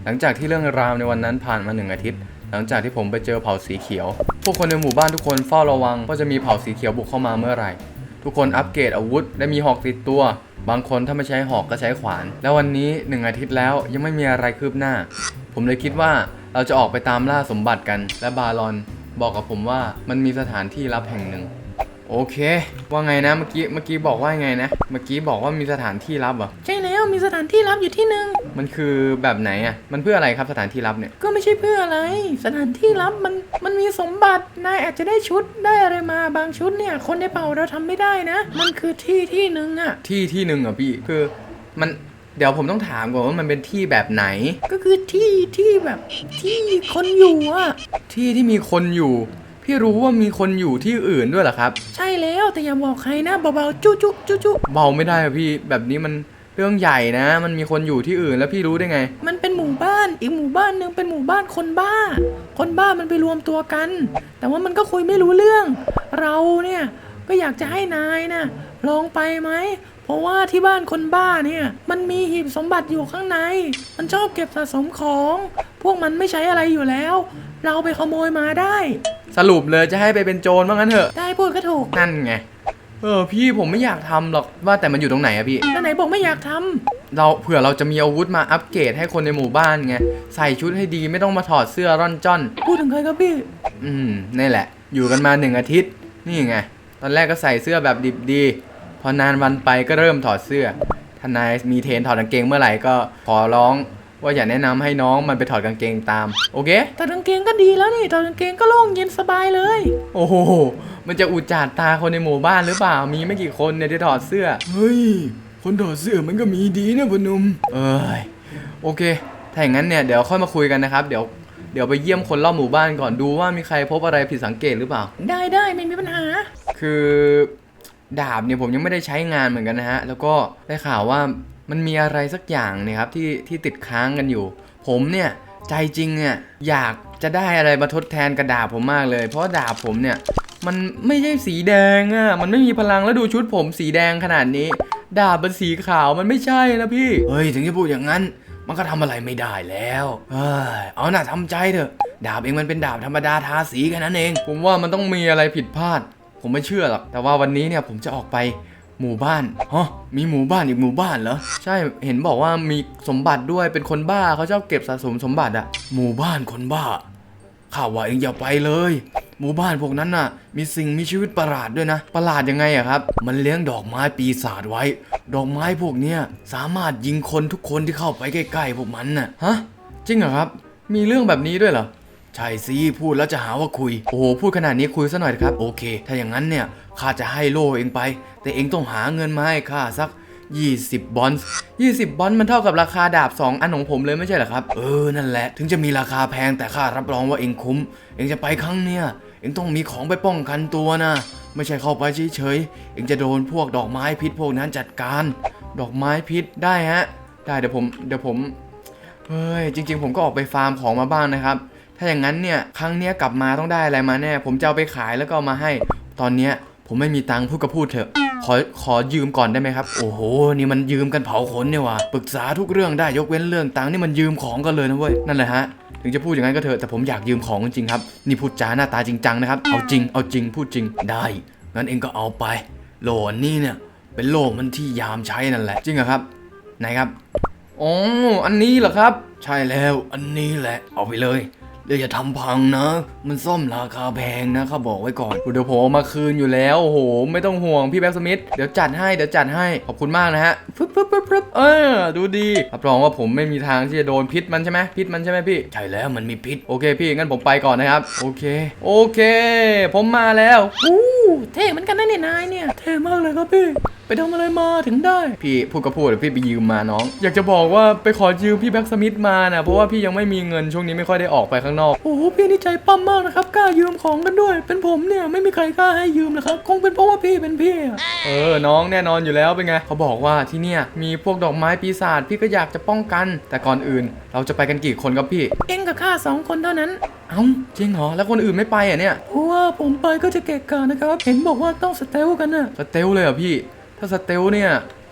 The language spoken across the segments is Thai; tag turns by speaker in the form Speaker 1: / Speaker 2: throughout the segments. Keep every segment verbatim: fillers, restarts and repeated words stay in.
Speaker 1: หลังจากที่เรื่องราวในวันนั้นผ่านมาหนึ่งอาทิตย์หลังจากที่ผมไปเจอเผ่าสีเขียวพวกคนในหมู่บ้านทุกคนเฝ้าระวังว่าจะมีเผ่าสีเขียวบุกเข้ามาเมื่อไหร่ทุกคนอัปเกรดอาวุธและมีหอกติดตัวบางคนถ้าไม่ใช้หอกก็ใช้ขวานแล้ววันนี้หนึ่งอาทิตย์แล้วยังไม่มีอะไรคืบหน้าผมเลยคิดว่าเราจะออกไปตามล่าสมบัติกันและบารอนบอกกับผมว่ามันมีสถานที่ลับแห่งหนึ่งโอเคว่าไงนะเมื่อกี้เมื่อกี้บอกว่าไงนะเมื่อกี้บอกว่ามีสถานที่ลับเหรอ
Speaker 2: ใช่แล้วมีสถานที่ลับอยู่ที่หนึ่ง
Speaker 1: มันคือแบบไหนอ่ะมันเพื่ออะไรครับสถานที่ลับเนี่ย
Speaker 2: ก็ไม่ใช่เพื่ออะไรสถานที่ลับมันมันมีสมบัตินายอาจจะได้ชุดได้อะไรมาบางชุดเนี่ยคนในเผ่าเราทำไม่ได้นะมันคือที่ที่หนึ่งอะ
Speaker 1: ที่ที่หนึ่งอ่ะพี่คือมันเดี๋ยวผมต้องถามก่อนว่ามันเป็นที่แบบไหน
Speaker 2: ก็คือที่ที่แบบที่คนอยู่อะ
Speaker 1: ที่ที่มีคนอยู่พี่รู้ว่ามีคนอยู่ที่อื่นด้วยเหรอครับ
Speaker 2: ใช่แล้วแต่อย่าบอกใครนะเบาๆจุ๊จุ๊จุ๊จุ๊
Speaker 1: เบาไม่ได้อะพี่แบบนี้มันเรื่องใหญ่นะมันมีคนอยู่ที่อื่นแล้วพี่รู้ได้ไง
Speaker 2: มันเป็นหมู่บ้านอีกหมู่บ้านนึงเป็นหมู่บ้านคนบ้าคนบ้ามันไปรวมตัวกันแต่ว่ามันก็คุยไม่รู้เรื่องเราเนี่ยก็อยากจะให้นายนะลองไปไหมเพราะว่าที่บ้านคนบ้าเนี่ยมันมีหีบสมบัติอยู่ข้างในมันชอบเก็บสะสมของพวกมันไม่ใช้อะไรอยู่แล้วเราไปขโมยมาได้
Speaker 1: สรุปเลยจะให้ไปเป็นโจรว่างั้นเถอะ
Speaker 2: ได้พูดก็ถูก
Speaker 1: นั่นไงเออพี่ผมไม่อยากทำหรอกว่าแต่มันอยู่ตรงไหนอะพี่
Speaker 2: แล้วไหนบอกไม่อยากท
Speaker 1: ำเราเผื่อเราจะมีอาวุธมาอัปเกรดให้คนในหมู่บ้านไงใส่ชุดให้ดีไม่ต้องมาถอดเสื้อร่อนจ้อน
Speaker 2: พูดถึงใครครับพี่
Speaker 1: อืมนี่แหละอยู่กันมาหนึ่งอาทิตย์นี่ไงตอนแรกก็ใส่เสื้อแบบดิบดีพอนานวันไปก็เริ่มถอดเสื้อถ้านายมีเทรนถอดกางเกงเมื่อไหร่ก็ขอร้องว่าอย่าแนะนำให้น้องมันไปถอดกางเกงตามโอเค
Speaker 2: ถอดกางเกงก็ดีแล้วนี่ถอดกางเกงก็โล่งเย็นสบายเลย
Speaker 1: โอ้โหมันจะอุจจาตาคนในหมู่บ้านหรือเปล่ามีไม่กี่คนเนี่ยที่ถอดเสื้อเฮ้ยคนถอดเสื้อมันก็มีดีนะพนุ่มเอ้ยโอเคถ้าอย่างนั้นเนี่ยเดี๋ยวค่อยมาคุยกันนะครับเดี๋ยวเดี๋ยวไปเยี่ยมคนรอบหมู่บ้านก่อนดูว่ามีใครพบอะไรผิดสังเกตหรือเปล่า
Speaker 2: ได้ได้ไม่มีปัญหา
Speaker 1: คือดาบเนี่ยผมยังไม่ได้ใช้งานเหมือนกันนะฮะแล้วก็ได้ข่าวว่ามันมีอะไรสักอย่างเนี่ยครับที่ที่ติดค้างกันอยู่ผมเนี่ยใจจริงเนี่ยอยากจะได้อะไรมาทดแทนกระดาบผมมากเลยเพราะดาบผมเนี่ยมันไม่ใช่สีแดงอ่ะมันไม่มีพลังแล้วดูชุดผมสีแดงขนาดนี้ดาบเป็นสีขาวมันไม่ใช่นะพี่เฮ้ยถึงจะพูดอย่างนั้นมันก็ทำอะไรไม่ได้แล้วเฮ้ยเอาหน่าทำใจเถอะดาบเองมันเป็นดาบธรรมดาทาสีแค่นั้นเองผมว่ามันต้องมีอะไรผิดพลาดผมไม่เชื่อหรอกแต่ว่าวันนี้เนี่ยผมจะออกไปหมู่บ้านฮะมีหมู่บ้านอีกหมู่บ้านเหรอใช่เห็นบอกว่ามีสมบัติด้วยเป็นคนบ้าเขาชอบเก็บสะสมสมบัติอะหมู่บ้านคนบ้าข้าว่าเองอย่าไปเลยหมู่บ้านพวกนั้นน่ะมีสิ่งมีชีวิตประหลาดด้วยนะประหลาดยังไงอะครับมันเลี้ยงดอกไม้ปีศาจไว้ดอกไม้พวกเนี้ยสามารถยิงคนทุกคนที่เข้าไปใกล้ๆพวกมันน่ะฮะจริงเหรอครับมีเรื่องแบบนี้ด้วยเหรอใช่สิพูดแล้วจะหาว่าคุยโอ้โหพูดขนาดนี้คุยซะหน่อยครับโอเคถ้าอย่างนั้นเนี่ยข้าจะให้โล่เองไปแต่เองต้องหาเงินมาให้ข้าสักยี่สิบบอนซ์ยี่สิบบอนซ์มันเท่ากับราคาดาบสองอันของผมเลยไม่ใช่เหรอครับเออนั่นแหละถึงจะมีราคาแพงแต่ข้ารับรองว่าเองคุ้มเองจะไปครั้งเนี้ยเองต้องมีของไปป้องกันตัวนะไม่ใช่เข้าไปเฉยๆเองจะโดนพวกดอกไม้พิษพวกนั้นจัดการดอกไม้พิษได้ฮะได้เดี๋ยวผมเดี๋ยวผมเฮ้ยจริงๆผมก็ออกไปฟาร์มของมาบ้างนะครับถ้าอย่างนั้นเนี่ยครั้งเนี้ยกลับมาต้องได้อะไรมาแน่ผมจะเอาไปขายแล้วก็เอามาให้ตอนเนี้ยผมไม่มีตังค์พูดก็พูดเถอะขอขอยืมก่อนได้ไหมครับโอ้โหนี่มันยืมกันเผาขนเนี่ยว่ะปรึกษาทุกเรื่องได้ยกเว้นเรื่องตังค์นี่มันยืมของกันเลยนะเว้ยนั่นแหละฮะถึงจะพูดอย่างนั้นก็เถอะแต่ผมอยากยืมของจริงๆครับนี่พูดจาหน้าตาจริงจังนะครับเอาจริงเอาจริงพูดจริงได้งั้นเองก็เอาไปโหลอันนี้เนี่ยเป็นโหลมันที่ยามใช้นั่นแหละจริงเหรอครับไหนครับอ๋ออันนี้เหรอครับใช่แล้วอันนี้แหละเอาไปเลยเดี๋ยวอย่าทำพังนะมันซ่อมราคาแพงนะเขาบอกไว้ก่อนเดี๋ยวผมมาคืนอยู่แล้วโอ้โหไม่ต้องห่วงพี่แบ็กสมิธเดี๋ยวจัดให้เดี๋ยวจัดให้ขอบคุณมากนะฮะฟึบฟึบฟึบฟึบเออดูดีรับรองว่าผมไม่มีทางที่จะโดนพิษมันใช่ไหมพิษมันใช่ไหมพี่ใช่แล้วมันมีพิษโอเคพี่งั้นผมไปก่อนนะครับโอเคโอเคผมมาแล้ว
Speaker 2: อู้เท่เหมือนกันนะเนี่ยนายเนี่ยเท่มากเลยครับพี่ไปทำอะไรมาถึงได้
Speaker 1: พี่พูดก็พูดพี่ไปยืมมาน้องอยากจะบอกว่าไปขอยืมพี่แบ็กสมิธมานะเพราะว่าพี่ยังไม่มีเงินช่วงนี้ไม่ค่อยได้ออกไปข้างนอก
Speaker 2: โอ้โหพี่นี่ใจปั้มมากนะครับกล้ายืมของกันด้วยเป็นผมเนี่ยไม่มีใครกล้าให้ยืมนะครับคงเป็นเพราะว่าพี่เป็นพี่
Speaker 1: เออน้องแน่นอนอยู่แล้วเป็นไงเขาบอกว่าที่เนี่ยมีพวกดอกไม้ปีศาจพี่ก็อยากจะป้องกันแต่ก่อนอื่นเราจะไปกันกี่คนครับพี่
Speaker 2: เอ็งกับข้าสองคนเท่านั้น
Speaker 1: เอ้าจริงเหรอแล้วคนอื่นไม่ไปอ่ะเนี่ย
Speaker 2: เพราะว่าผมไปก็จะเกะกะนะครับเห็นบอกว่าต้องสเตลกันน่ะ
Speaker 1: สเตลเลยเหรอพี่ถ้าสเตลเนี่ย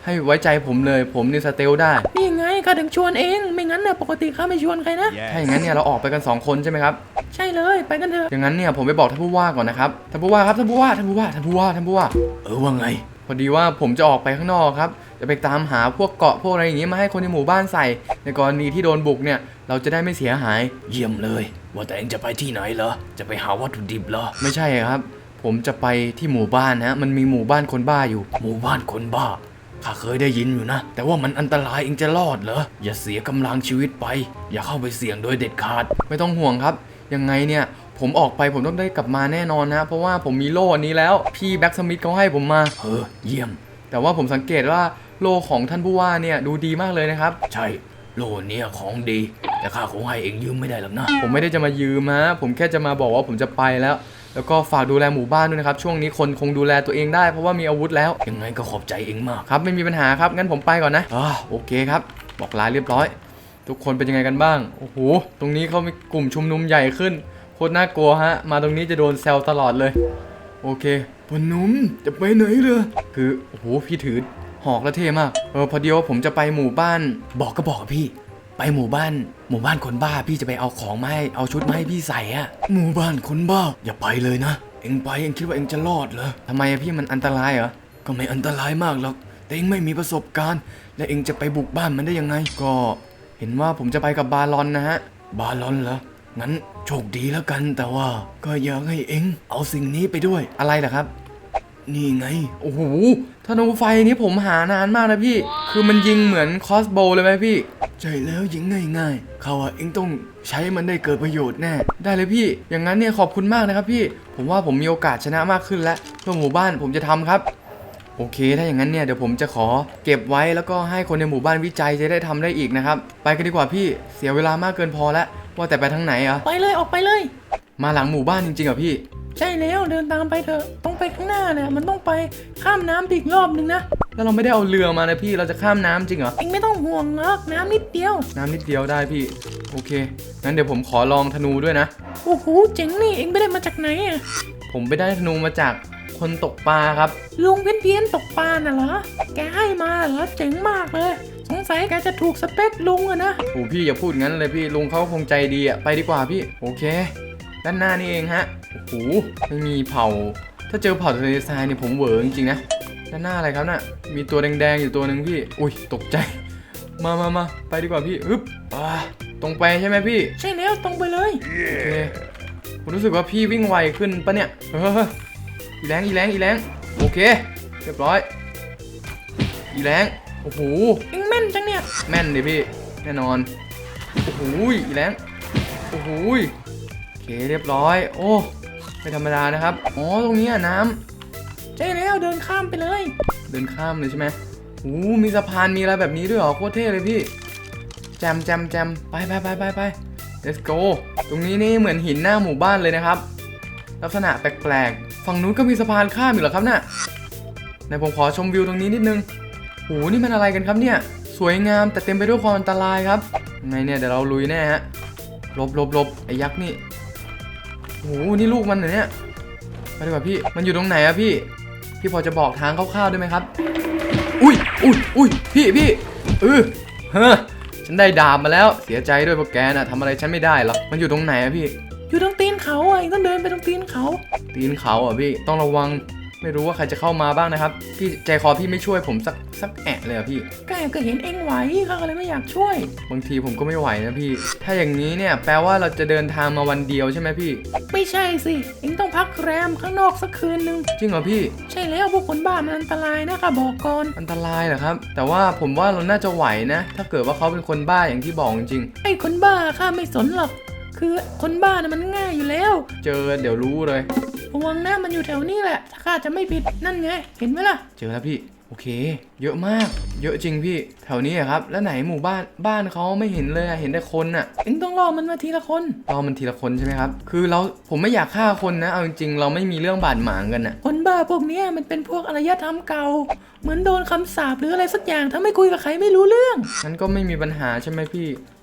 Speaker 1: ให้ไว้ใจผมเลยผมนี่สเตลได้
Speaker 2: นี่ไงข้าถึงชวนเองไม่งั้นเนี่ยปกติข้าไม่ชวนใครนะ
Speaker 1: ถ้าอย่างนั้นเนี่ยเราออกไปกันสองคนใช่ไหมครับ
Speaker 2: ใช่เลยไปกันเถอะ
Speaker 1: อย่างนั้นเนี่ยผมไปบอกท่านผู้ว่าก่อนนะครับท่านผู้ว่าครับท่านผู้ว่าท่านผู้ว่าท่านผู้ว่าท่านผู้ว่าเออว่าไงพอดีว่าผมจะออกไปข้างนอกครับจะไปตามหาพวกเกาะพวกอะไรอย่างงี้มาให้คนในหมู่บ้านใส่ในกรณีที่โดนบุกเนี่ยเราจะได้ไม่เสียหายเยี่ยมเลยว่าแต่เองจะไปที่ไหนเหรอจะไปหาวัตถุดิบเหรอไม่ใช่ครับผมจะไปที่หมู่บ้านนะมันมีหมู่บ้านคนบ้าอยู่หมู่บ้านคนบ้าข้าเคยได้ยินอยู่นะแต่ว่ามันอันตรายเองจะรอดเหรออย่าเสียกำลังชีวิตไปอย่าเข้าไปเสี่ยงโดยเด็ดขาดไม่ต้องห่วงครับยังไงเนี่ยผมออกไปผมต้องได้กลับมาแน่นอนนะเพราะว่าผมมีโล่อันนี้แล้วพี่แบ็กสมิธเขาให้ผมมาเออเยี่ยมแต่ว่าผมสังเกตว่าโล่ของท่านผู้ว่าเนี่ยดูดีมากเลยนะครับใช่โล่เนี่ยของดีแต่ข้าคงให้เองยืมไม่ได้หรอกนะผมไม่ได้จะมายืมฮะผมแค่จะมาบอกว่าผมจะไปแล้วแล้วก็ฝากดูแลหมู่บ้านด้วยนะครับช่วงนี้คนคงดูแลตัวเองได้เพราะว่ามีอาวุธแล้วยังไงก็ขอบใจเองมากครับไม่มีปัญหาครับงั้นผมไปก่อนนะอ่าโอเคครับบอกลาเรียบร้อยทุกคนเป็นยังไงกันบ้างโอ้โหตรงนี้เขามีกลุ่มชุมนุมใหญ่ขึ้นโคตรน่ากลัวฮะมาตรงนี้จะโดนแซวตลอดเลยโอเคพนุ่มจะไปไหนเลยคือโอ้โหพี่ถือหอกแล้วเท่มากเออพอดีว่าผมจะไปหมู่บ้านบอกก็บอกพี่ไปหมู่บ้านหมู่บ้านคนบ้าพี่จะไปเอาของมาให้เอาชุดมาให้พี่ใส่อะหมู่บ้านคนบ้าอย่าไปเลยนะเอ็งไปเอ็งคิดว่าเอ็งจะรอดเหรอทำไมอะพี่มันอันตรายเหรอก็ไม่อันตรายมากหรอกแต่เอ็งไม่มีประสบการณ์และเอ็งจะไปบุกบ้านมันได้ยังไงก็เห็นว่าผมจะไปกับบาลอนนะฮะบาลอนเหรองั้นโชคดีแล้วกันแต่ว่าก็อยากให้เอ็งเอาสิ่งนี้ไปด้วยอะไรล่ะครับนี่ไงโอ้โหธนูไฟนี้ผมหานานมากนะพี่คือมันยิงเหมือนคอสโบว์เลยไหมพี่ใช่แล้วยิงง่ายๆเขาอะเอ็งต้องใช้มันได้เกิดประโยชน์แน่ได้เลยพี่อย่างนั้นเนี่ยขอบคุณมากนะครับพี่ผมว่าผมมีโอกาสชนะมากขึ้นแล้วเพื่อหมู่บ้านผมจะทำครับโอเคถ้าอย่างนั้นเนี่ยเดี๋ยวผมจะขอเก็บไว้แล้วก็ให้คนในหมู่บ้านวิจัยจะได้ทำได้อีกนะครับไปกันดีกว่าพี่เสียเวลามากเกินพอแล้วว่าแต่ไปทางไหนอ่ะ
Speaker 2: ไปเลยออกไปเลย
Speaker 1: มาหลังหมู่บ้านจริงๆเหรอพี่
Speaker 2: ใช่แล้วเดินตามไปเถอะต้องไปข้างหน้าเนี่ยมันต้องไปข้ามน้ำอีกรอบนึงนะ
Speaker 1: แล้วเราไม่ได้เอาเรือมานะพี่เราจะข้ามน้ำจริงเหรอ
Speaker 2: เองไม่ต้องห่วงหรอกน้ำนิดเดียว
Speaker 1: น้ำนิดเดียวได้พี่โอเคงั้นเดี๋ยวผมขอลองธนูด้วยนะ
Speaker 2: โอ้โหเจ๋งนี่เองไปได้มาจากไหนอ่ะ
Speaker 1: ผมไปได้ธนูมาจากคนตกปลาครับ
Speaker 2: ลุงเพี้ยนเพี้ยนๆตกปลาน่ะเหรอแกให้มาเหรอเจ๋งมากเลยสงสัยแกจะถูกสเปคลุงอะนะ
Speaker 1: โอ้พี่อย่าพูดงั้นเลยพี่ลุงเขาคงใจดีอะไปดีกว่าพี่โอเคด้านหน้านี่เองฮะโอ้โหไม่มีเผาถ้าเจอเผาทะเลทรายเนี่ยผมเหวอจริงๆนะด้านหน้าอะไรครับน่ะมีตัวแดงๆอยู่ตัวหนึ่งพี่อุ้ยตกใจมามามาไปดีกว่าพี่อึ๊บอ่าตรงไปใช่ไหมพี่
Speaker 2: ใช่แล้วตรงไปเลย
Speaker 1: โอเคผมรู้สึกว่าพี่วิ่งไวขึ้นปะเนี่ยเฮ้ยอีแรงอีแรงอีแรงโอเคเรียบร้อยอีแรงโอ้โห
Speaker 2: เองแม่นจังเนี่ย
Speaker 1: แม่นดิพี่แน่นอนโอ้โหอีแรงโอ้โหโอเคเรียบร้อยโอ้ไม่ธรรมดานะครับอ๋อตรงนี้อะน้ำ
Speaker 2: ใช่แล้วเดินข้ามไปเลย
Speaker 1: เดินข้ามเลยใช่ไหมโอ้มีสะพานมีอะไรแบบนี้ด้วยเหรอโคตรเท่เลยพี่แจมแจมแจมไปไปไปไปไป let's go ตรงนี้นี่เหมือนหินหน้าหมู่บ้านเลยนะครับลักษณะแปลกๆฝั่งนู้นก็มีสะพานข้ามอยู่เหรอครับน่ะไหนผมขอชมวิวตรงนี้นิดนึงโอ้นี่มันอะไรกันครับเนี่ยสวยงามแต่เต็มไปด้วยความอันตรายครับยังไงเนี่ยเดี๋ยวเราลุยแน่ฮะหลบหลบหลบไอ้ยักษ์นี่โอ้นี่ลูกมันเหรอเนี่ยไปดีกว่าพี่มันอยู่ตรงไหนอะพี่พี่พอจะบอกทางคร่าวๆได้ไหมครับอุ้ยอุ้ยอุ้ยพี่พี่เออเฮ้อฉันได้ดาบมาแล้วเสียใจด้วยพวกแกน่ะทำอะไรฉันไม่ได้หรอกมันอยู่ตรงไหนอะพี่
Speaker 2: อยู่ตรงตีนเขาอ่ะเองต้องเดินไปตรงตีนเขา
Speaker 1: ตีนเขาอ่ะพี่ต้องระวังไม่รู้ว่าใครจะเข้ามาบ้างนะครับพี่ใจคอพี่ไม่ช่วยผมสักสักแอะเลยอ่ะพี่
Speaker 2: ก็ก็เห็นเองไหวเขาก็เลยไม่อยากช่วย
Speaker 1: บางทีผมก็ไม่ไหวนะพี่ถ้าอย่างนี้เนี่ยแปลว่าเราจะเดินทางมาวันเดียวใช่ไหมพี่
Speaker 2: ไม่ใช่สิเองต้องพักแรมข้างนอกสักคืนนึง
Speaker 1: จริงเหรอพี่
Speaker 2: ใช่แล้วพวกคนบ้ามันอันตรายนะคะบอกก่อน
Speaker 1: อันตรายเหรอครับแต่ว่าผมว่าเราน่าจะไหวนะ ถ้าเกิดว่าเขาเป็นคนบ้าอย่างที่บอกจริง
Speaker 2: ไอ้คนบ้าข้าไม่สนหรอกคือคนบ้าน่ะมันง่ายอยู่แล้ว
Speaker 1: เจอเดี๋ยวรู้เลย
Speaker 2: ระวังนะมันอยู่แถวนี้แหละถ้าข้าจะไม่ผิดนั่นไงเห็นไหมล่ะ
Speaker 1: เจอแล้วพี่โอเค เยอะมาก เยอะจริงพี่แถวนี้อะครับแล้วไหนหมู่บ้านบ้านเขาไม่เห็นเลยอะเห็นแต่คนอะ
Speaker 2: เองต้องรอมันมาทีละคน
Speaker 1: รอมันทีละคนใช่ไหมครับคือเราผมไม่อยากฆ่าคนนะเอาจริงๆเราไม่มีเรื่องบาดหมางกันอะ
Speaker 2: คนบ้าพวกเนี้ยมันเป็นพวกอารยธรรมเก่า เหมือนโดนคำสาปหรืออะไรสักอย่างถ้าไม่คุยกับใครไม่รู้เรื่อง
Speaker 1: งั้นก็ไม่มีปัญหาใช่ไหมพี่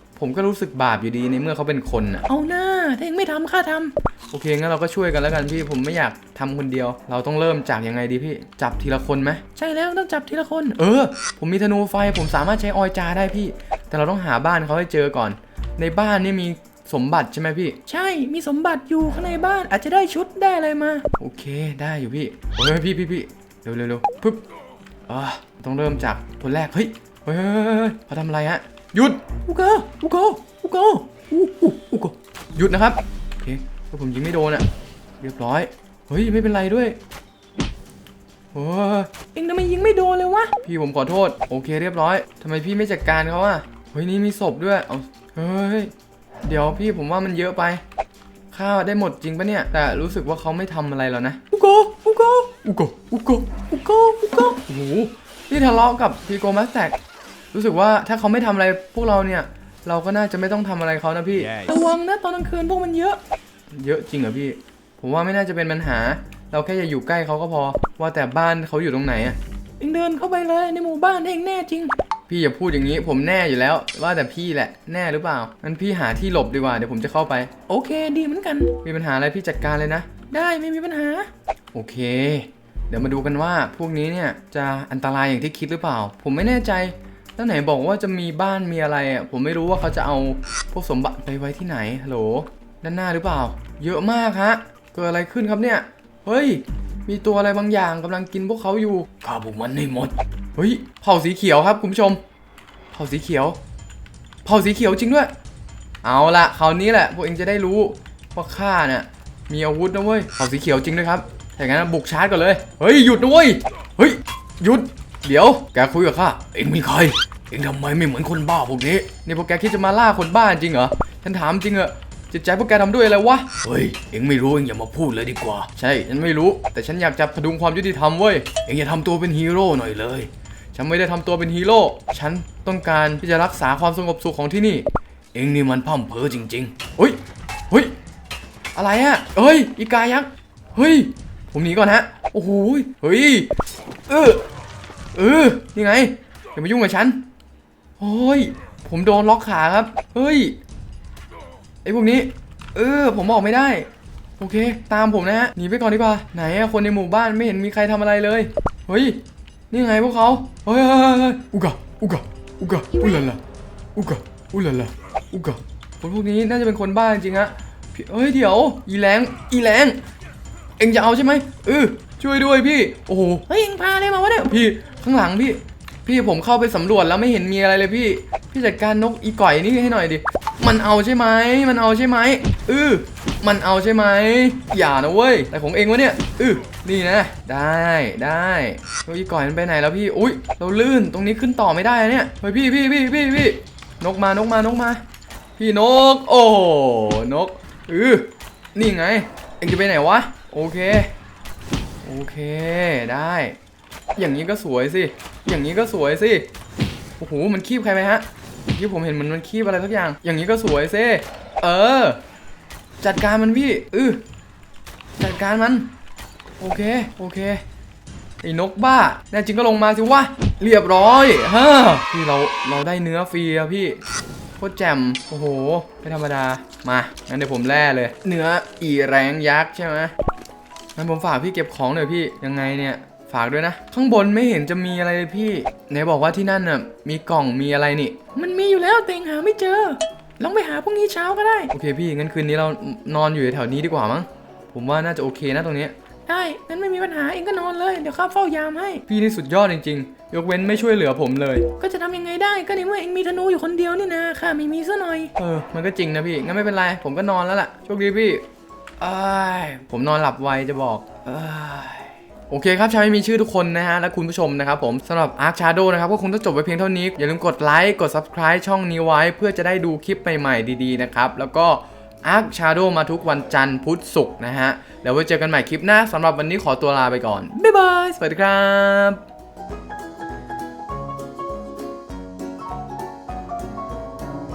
Speaker 1: ผมก็รู้สึกบาปอยู่ดีในเมื่อเขาเป็นคนอ่ะ
Speaker 2: เอาหน้าถ้าเองไม่ทำข้าทำ
Speaker 1: โอเคงั้นเราก็ช่วยกันแล้วกันพี่ผมไม่อยากทำคนเดียว เราต้องเริ่มจากยังไงดีพี่จับทีละคนไหม
Speaker 2: ใช่แล้วต้องจับทีละคน
Speaker 1: เออผมมีธนูไฟผมสามารถใช้ออยจาได้พี่ แต่เราต้องหาบ้านเขาให้เจอก่อน ในบ้านนี่มีสมบัติใช่ไหมพี่
Speaker 2: ใช่มีสมบัติอยู่ข้างในบ้านอาจจะได้ชุดได้อะไรมา
Speaker 1: โอเคได้อยู่พี่เฮ้ยพี่พี่พี่เร็วเร็วเร็วปึ๊บอ่าต้องเริ่มจากคนแรกเฮ้ยเฮ้ยเฮ้ยเฮ้ยเขาทำอะไรฮะหยุด
Speaker 2: อุโกอุโกอุโกอุอุอุโก
Speaker 1: หยุดนะครับโอเคถ้าผมยิงไม่โดนอ่ะเรียบร้อยเฮ้ยไม่เป็นไรด้วยโอ้ย
Speaker 2: เองทำไมยิงไม่โดนเลยวะ
Speaker 1: พี่ผมขอโทษโอเคเรียบร้อยทำไมพี่ไม่จัดการเขาอ่ะเฮ้ยนี่มีศพด้วยเอาเฮ้ยเดี๋ยวพี่ผมว่ามันเยอะไปข้าวได้หมดจริงปะเนี่ยแต่รู้สึกว่าเขาไม่ทำอะไรแล้วนะ
Speaker 2: อุโกอุโก
Speaker 1: อุโกอุโก
Speaker 2: อุโกอุโก
Speaker 1: โอ้โหนี่ทะเลาะกับพีโกมัสแตกรู้สึกว่าถ้าเขาไม่ทำอะไรพวกเราเนี่ยเราก็น่าจะไม่ต้องทำอะไรเขานะพี่
Speaker 2: ระวังนะตอนกลางคืนพวกมันเยอะ
Speaker 1: เยอะจริงเหรอพี่ผมว่าไม่น่าจะเป็นปัญหา เราแค่อย่าอยู่ใกล้เขาก็พอว่าแต่บ้านเขาอยู่ตรงไหนอะ
Speaker 2: เองเดินเข้าไปเลยในหมู่บ้านเองแน่จริง
Speaker 1: พี่อย่าพูดอย่างนี้ผมแน่อยู่แล้ว ว่าแต่พี่แหละแน่หรือเปล่างั้นพี่หาที่หลบดีกว่าเดี๋ยวผมจะเข้าไป
Speaker 2: โอเคดีเหมือนกัน
Speaker 1: มีปัญหาอะไรพี่จัดการเลยนะ
Speaker 2: ได้ไม่มีปัญหา
Speaker 1: โอเค เดี๋ยวมาดูกันว่าพวกนี้เนี่ยจะอันตรายอย่างที่คิดหรือเปล่า ผมไม่แน่ใจแล้วไหนบอกว่าจะมีบ้านมีอะไรอ่ะผมไม่รู้ว่าเขาจะเอาพวกสมบัติไปไว้ที่ไหนฮัลโหลด้านหน้าหรือเปล่า เยอะมากฮะเกิดอะไรขึ้นครับเนี่ยเฮ้ยมีตัวอะไรบางอย่างกำลังกินพวกเขาอยู่ฆ่าพวกมันให้หมดเฮ้ยเผ่าสีเขียวครับคุณผู้ชมเผ่าสีเขียวเผ่าสีเขียวจริงด้วยเอาละคราวนี้แหละพวกเองจะได้รู้ว่าข้าเนี่ยมีอาวุธนะเว้ยเผ่าสีเขียวจริงด้วยครับถ้าอย่างนั้นบุกชาร์จก่อนเลยเฮ้ยหยุดนะเว้ยเฮ้ยหยุดเดี๋ยวแกคุยกับข้าเอ็งมีใครเอ็งทำไมไม่เหมือนคนบ้าพวกนี้นี่พวกแกคิดจะมาล่าคนบ้าจริงเหรอฉันถามจริงเหรอจิตใจพวกแกทำด้วยอะไรวะเฮ้ยเอ็งไม่รู้เอ็งอย่ามาพูดเลยดีกว่าใช่ฉันไม่รู้แต่ฉันอยากจะพดุงความยุติธรรมเว้ยเอ็งอย่าทำตัวเป็นฮีโร่หน่อยเลยฉันไม่ได้ทำตัวเป็นฮีโร่ฉันต้องการที่จะรักษาความสงบสุขของที่นี่เอ็งนี่มันพร่ำเพ้อจริงๆเฮ้ยเฮ้ยอะไรอะเฮ้ยอีกายักษ์เฮ้ยผมหนีก่อนฮะโอ้โหเฮ้ยเออเออยังไงอย่ามายุ่งกับฉันโอ้ยผมโดนล็อกขาครับเฮ้ยไอ้พวกนี้เออผมออกไม่ได้โอเคตามผมนะฮะหนีไปก่อนดีกว่าไหนอะคนในหมู่บ้านไม่เห็นมีใครทำอะไรเลยเฮ้ยนี่ไงพวกเขาเฮ้ยอุกะอุกะอุกะอุลาลาอุกะอุลาลาอุกะคนพวกนี้น่าจะเป็นคนบ้าจริงๆฮะเฮ้ยเดี๋ยวอีแรงอีแรงเอ็งจะเอาใช่ไหมเออช่วยด้วยพี่โอ้โห
Speaker 2: เฮ้ยเองพาอะไรมาวะเนี่ย
Speaker 1: พี่ข้างหลังพี่พี่ผมเข้าไปสำรวจแล้วไม่เห็นมีอะไรเลยพี่พี่จัดการนกอีก่อยนี่ให้หน่อยดิมันเอาใช่ไหมมันเอาใช่ไหมเออมันเอาใช่ไหมอย่านะเว้ยแต่ของเองวะเนี่ยเออนี่นะได้ได้นกอีก่อยมันไปไหนแล้วพี่อุ้ยเราลื่นตรงนี้ขึ้นต่อไม่ได้เนี่ยเฮ้ยพี่พี่พี่พี่พี่นกมานกมานกมาพี่นกโอ้นกเออนี่ไงเองจะไปไหนวะโอเคโอเคได้อย่างนี้ก็สวยสิอย่างนี้ก็สวยสิโอ้โหมันคีบใครไหมฮะที่ผมเห็นมันมันคีบอะไรสักอย่างอย่างนี้ก็สวยสิเออจัดการมันพี่เออจัดการมันโอเคโอเคไอ้นกบ้าแน่จริงก็ลงมาสิวะเรียบร้อยฮะพี่เราเราได้เนื้อฟรีอะพี่โคตรแจ่มโอ้โหไม่ธรรมดามางั้นเดี๋ยวผมแล่เลยเนื้ออีแรงยักษ์ใช่ไหมงั้นผมฝากพี่เก็บของหน่อยพี่ยังไงเนี่ยฝากด้วยนะข้างบนไม่เห็นจะมีอะไรเลยพี่ไหนบอกว่าที่นั่นน่ะมีกล่องมีอะไรนี่
Speaker 2: มันมีอยู่แล้วแต่เองหาไม่เจอลองไปหาพรุ่งนี้เช้าก็ได้
Speaker 1: โอเคพี่งั้นคืนนี้เรานอนอยู่แถวนี้ดีกว่ามั้งผมว่าน่าจะโอเคนะตรงนี้
Speaker 2: ได้งั้นไม่มีปัญหาเองก็นอนเลยเดี๋ยวข้าเฝ้ายามให้
Speaker 1: พี่นี่สุดยอดจริงๆยกเว้นไม่ช่วยเหลือผมเลย
Speaker 2: ก็จะทำยังไงได้ก็ในเมื่อเองมีธนูอยู่คนเดียวนี่นะข้าไม่มีซะหน่อย
Speaker 1: เออมันก็จริงนะพี่งั้นไม่เป็นไรผมก็นอนแล้วล่ะโชคดีพี่อ้ายผมนอนหลับไวจะบอกอ้ายโอเคครับชาวไม่มีชื่อทุกคนนะฮะและคุณผู้ชมนะครับผมสำหรับ Ark Shadow นะครับก็คงต้องจบไปเพียงเท่านี้อย่าลืมกดไลค์กด Subscribe ช่องนี้ไว้เพื่อจะได้ดูคลิปใหม่ๆดีๆนะครับแล้วก็ Ark Shadow มาทุกวันจันทร์พุธศุกร์นะฮะแล้วไว้เจอกันใหม่คลิปหน้าสำหรับวันนี้ขอตัวลาไปก่อนบ๊ายบายสวัสดีครับ